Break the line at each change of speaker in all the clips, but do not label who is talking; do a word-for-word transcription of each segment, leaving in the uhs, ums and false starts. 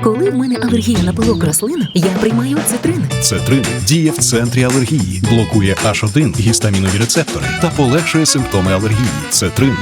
Коли в мене алергія на пилок рослин, я приймаю цитрин.
Цетрин діє в центрі алергії, блокує аш один гістамінові рецептори та полегшує симптоми алергії. Цетрин.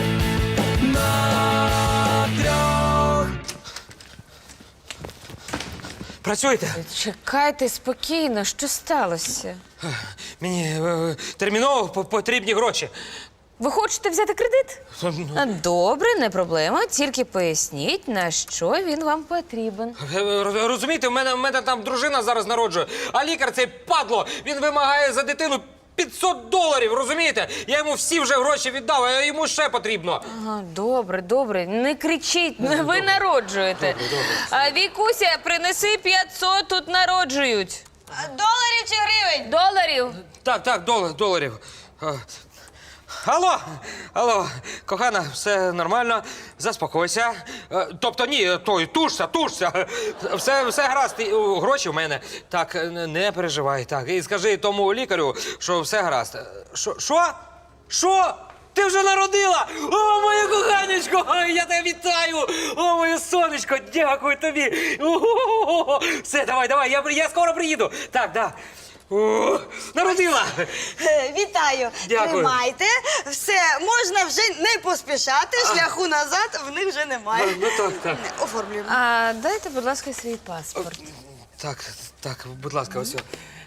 Працюєте?
Чекайте спокійно, що сталося?
Мені е, терміново по- потрібні гроші.
Ви хочете взяти кредит?
Ну,
А, Добре, не проблема. Тільки поясніть, на що він вам потрібен.
е, роз- Розумієте, в мене, в мене там дружина зараз народжує, а лікар цей падло, він вимагає за дитину п'ятсот доларів, розумієте? Я йому всі вже гроші віддав, а йому ще потрібно.
Ага, добре, добре. Не кричіть, ви народжуєте. А Вікуся, принеси п'ятсот, тут народжують.
Доларів чи гривень?
Доларів.
Так, так, долар, доларів. А, Алло, алло, кохана, все нормально, заспокойся. Е, Тобто ні, той, тушся, тушся. Все, все гаразд, і, о, гроші в мене. Так, не- не переживай, так. І скажи тому лікарю, що все гаразд. Що? Що? Що? Ти вже народила? О, моє коханечко, Ой, я тебе вітаю! О, моє сонечко, дякую тобі! О-о-о-о! Все, давай, давай, я, я скоро приїду. Так, да. О, народила!
Е, Вітаю!
Дякую.
Тримайте. Все, можна вже не поспішати, шляху назад в них вже немає.
Ну так, так.
Оформлюємо.
А дайте, будь ласка, свій паспорт.
Так, так, будь ласка, ось.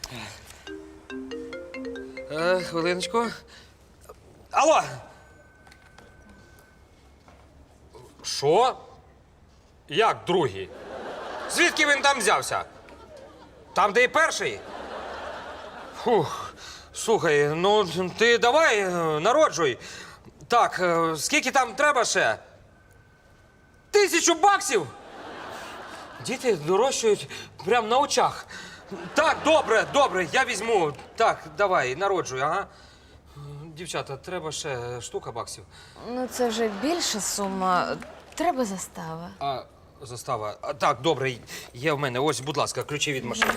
Е, хвилиночку. Алло! Що? Як другий? Звідки він там взявся? Там, де і перший? Фух, слухай, ну ти давай е, народжуй. Так, е, скільки там треба ще? Тисячу баксів? Діти дорощують прямо на очах. Так, добре, добре, я візьму. Так, давай, народжуй, ага. Дівчата, треба ще штука баксів.
Ну, це вже більша сума. Треба застава.
А, застава. А, так, добре, є в мене. Ось, будь ласка, ключі від машини.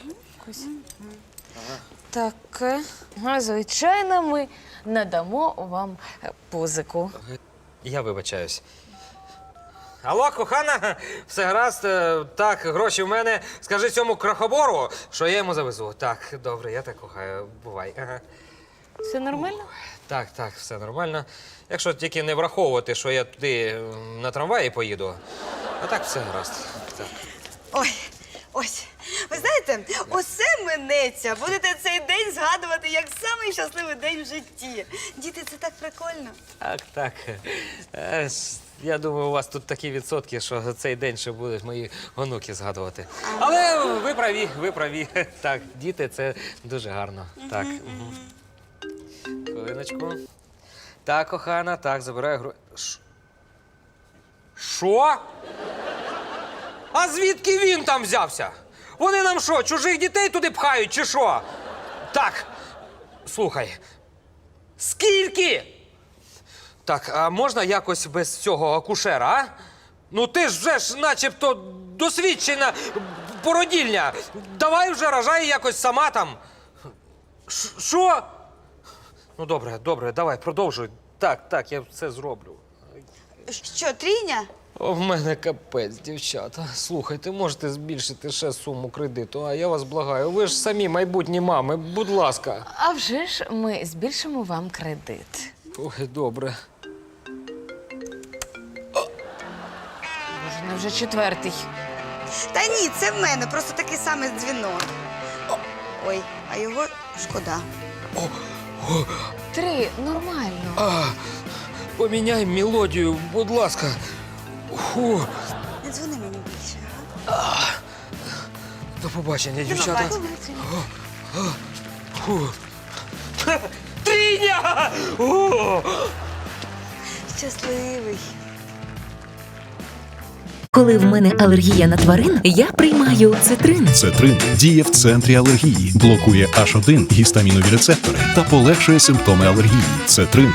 Так, е, а, звичайно, ми надамо вам е, позику.
Я вибачаюсь. Алло, кохана, все гаразд. Е, Так, гроші в мене. Скажи цьому крахобору, що я йому завезу. Так, добре, я так кохаю. Бувай. Ага.
Все нормально?
Так, так, все нормально. Якщо тільки не враховувати, що я туди м, на трамваї поїду, а так все гаразд. Так.
Ой, ось. Ви знаєте, оце минеться. Будете цей день згадувати як самий щасливий день в житті. Діти, це так прикольно.
Так, так. Е, с- Я думаю, у вас тут такі відсотки, що цей день ще будуть мої онуки згадувати. Але ви праві, ви праві. Так, діти, це дуже гарно. Так. мгм. Хвилиночку. Так, кохана, так, забираю гроші. Що? А звідки він там взявся? Вони нам що, чужих дітей туди пхають, чи що? Так, слухай. Скільки? Так, а можна якось без цього акушера, а? Ну ти ж вже ж начебто досвідчена породільня. Давай вже рожай якось сама там. Ш- Що? Ну добре, добре, давай, продовжуй. Так, так, я все зроблю.
Що, трійня?
О, в мене капець, дівчата. Слухайте, можете збільшити ще суму кредиту, а я вас благаю. Ви ж самі майбутні мами, будь ласка.
А вже ж ми збільшимо вам кредит.
Ой, добре.
Боже, ну вже четвертий.
Та ні, це в мене, просто такий самий дзвінок. О, ой, а його шкода.
Три, нормально.
А, поміняй мелодію, будь ласка. Фу,
Не дзвони мені більше, ага?
до побачення, дівчата.
Давай.
Фу. Тріня! О!
Щасливий.
Коли в мене алергія на тварин, я приймаю цитрин.
Цетрин діє в центрі алергії, блокує аш один гістамінові рецептори та полегшує симптоми алергії. Цетрин.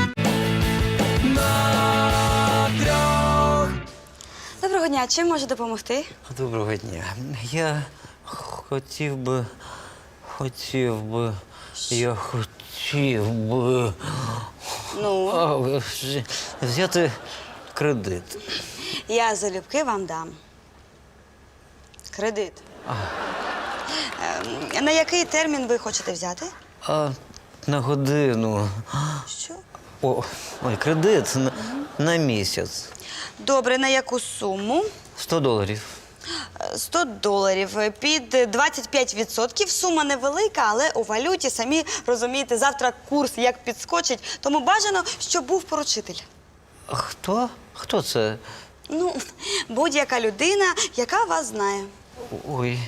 Доброго дня, чим можу допомогти?
Доброго дня. Я хотів би, хотів би, я хотів би
Ну,
а, вз- взяти кредит.
я залюбки вам дам. Кредит. Ем, На який термін ви хочете взяти?
А на годину.
Що?
О, ой, кредит на, на місяць.
Добре, на яку суму?
сто доларів.
Е, сто доларів. Під двадцять п'ять відсотків. Сума невелика, але у валюті, самі розумієте, завтра курс як підскочить, тому бажано, щоб був поручитель.
А хто? Хто це?
Ну, будь-яка людина, яка вас знає.
Ой.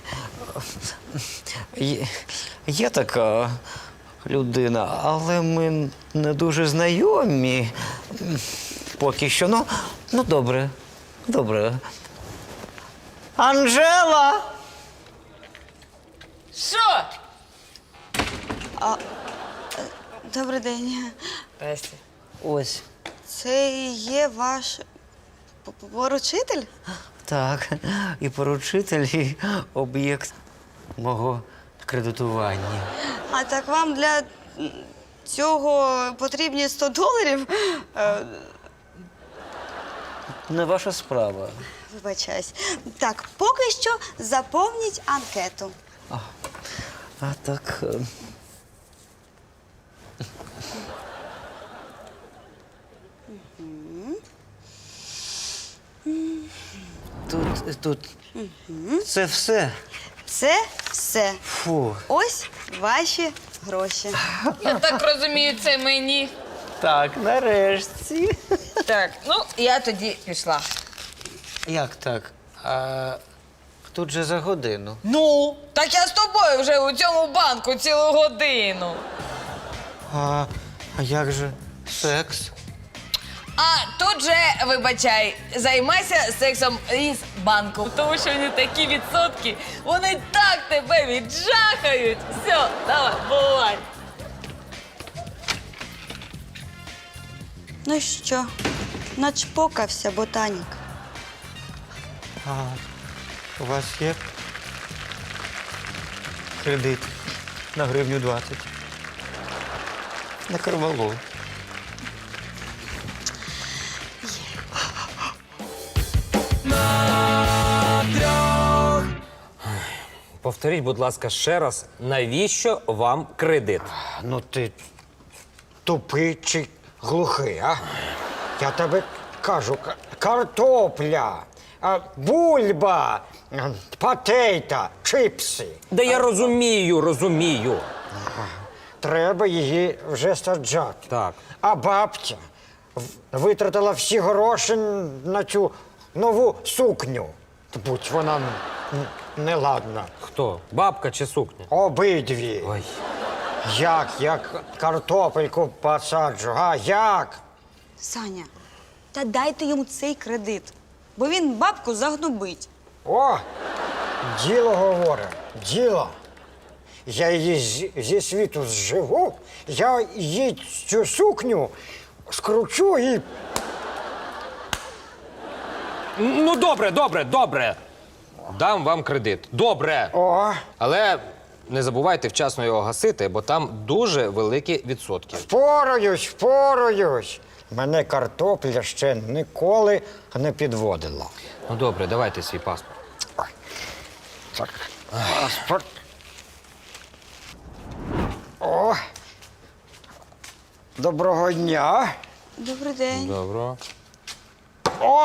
Є, є така людина, але ми не дуже знайомі. Поки що. Ну, ну добре. Добре. Анжела!
Що?
Добрий день.
Ось.
Це і є ваш п- п- поручитель?
Так. І поручитель, і об'єкт мого кредитування.
А так вам для м, цього потрібні сто доларів? Е,
Не ваша справа.
Вибачаюсь. Так, поки що заповніть анкету.
А так. е, Тут, тут. Це все.
Це все.
Фу.
Ось ваші гроші.
Я так розумію, це мені.
Так, нарешті.
Так, ну я тоді пішла.
Як так? А тут же за годину.
Ну, так я з тобою вже у цьому банку цілу годину.
А, а як же секс?
А тут же, вибачай, займайся сексом із банком. Тому що вони такі відсотки, вони так тебе віджахають. Все, давай, бувай.
Ну що, начпокався ботанік.
А у вас є кредит на гривню двадцять. На карвалол.
Повторіть, будь ласка, ще раз, навіщо вам кредит?
Ну ти тупий чи глухий, а? Я тебе кажу, к- картопля, а, бульба, а, патейта, чипси.
Да я розумію, розумію.
Треба її вже саджати.
Так.
А бабця в- витратила всі гроші на цю нову сукню. Будь вона н- н- неладна.
Хто? Бабка чи сукня?
Обидві.
Ой.
Як, як картопельку посаджу, а як?
Саня, та дайте йому цей кредит, бо він бабку загнобить.
О, діло говорить, діло. Я її зі, зі світу зживу, я їй цю сукню скручу і.
Ну, добре, добре, добре. Дам вам кредит. Добре.
О,
Але не забувайте вчасно його гасити, бо там дуже великі відсотки.
впораюсь, впораюсь. Мене картопля ще ніколи не підводила.
Ну, добре, давайте свій паспорт.
Ой, так, паспорт. О, доброго дня.
Добрий день.
Добре.
О,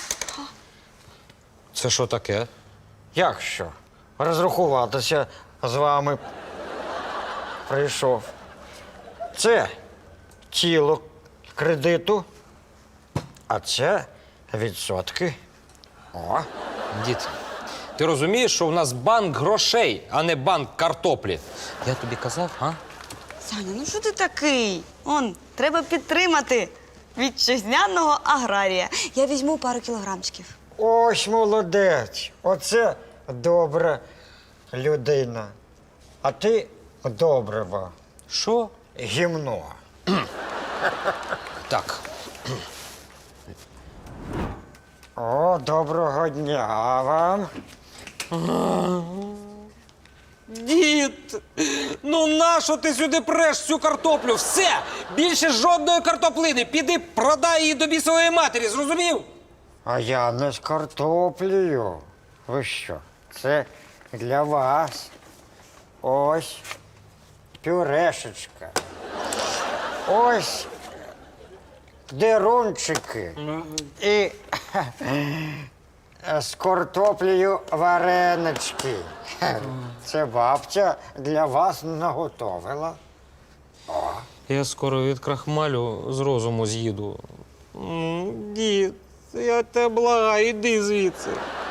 Це що таке?
як що? Розрахуватися з вами прийшов. Це тіло кредиту, а це відсотки. О,
Дід, ти розумієш, що у нас банк грошей, а не банк картоплі? Я тобі казав, а?
Саня, ну що ти такий? Он, треба підтримати вітчизняного аграрія. Я візьму пару кілограмчиків.
ось молодець. Оце добра людина. А ти добрива.
Що?
Гімно.
Так.
О, доброго дня вам.
Дід, ну нащо ти сюди преш цю картоплю? Все! Більше жодної картоплини. Піди продай її до бісової матері, зрозумів?
А я не з картоплею. Ви що, Це для вас. Ось пюрешечка. Ось дерунчики. І з картоплею варенички. Це бабця для вас наготовила.
Я скоро від крахмалю з розуму з'їду. М, Дід, я тебе благаю, іди звідси.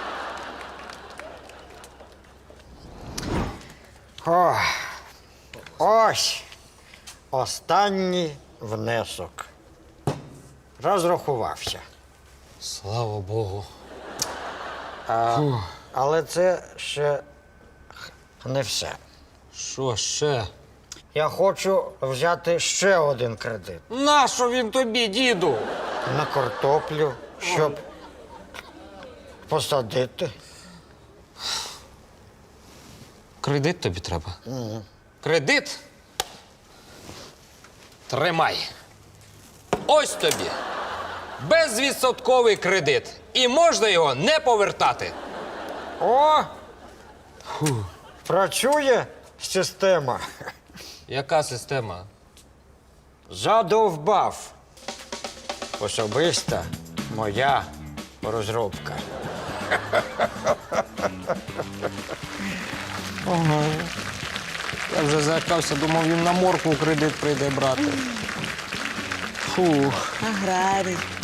О, ось останній внесок. Розрахувався.
Слава Богу.
А, але це ще не все.
Що ще?
Я хочу взяти ще один кредит
Нащо він тобі, діду?
на картоплю, щоб посадити.
Кредит тобі треба? Кредит? Тримай. Ось тобі. Безвідсотковий кредит. І можна його не повертати.
О! Працює система.
Яка система?
Задовбав. Особиста моя розробка.
Я вже залякався, думав, він на моркву кредит прийде брати. Фух.
Аграрій.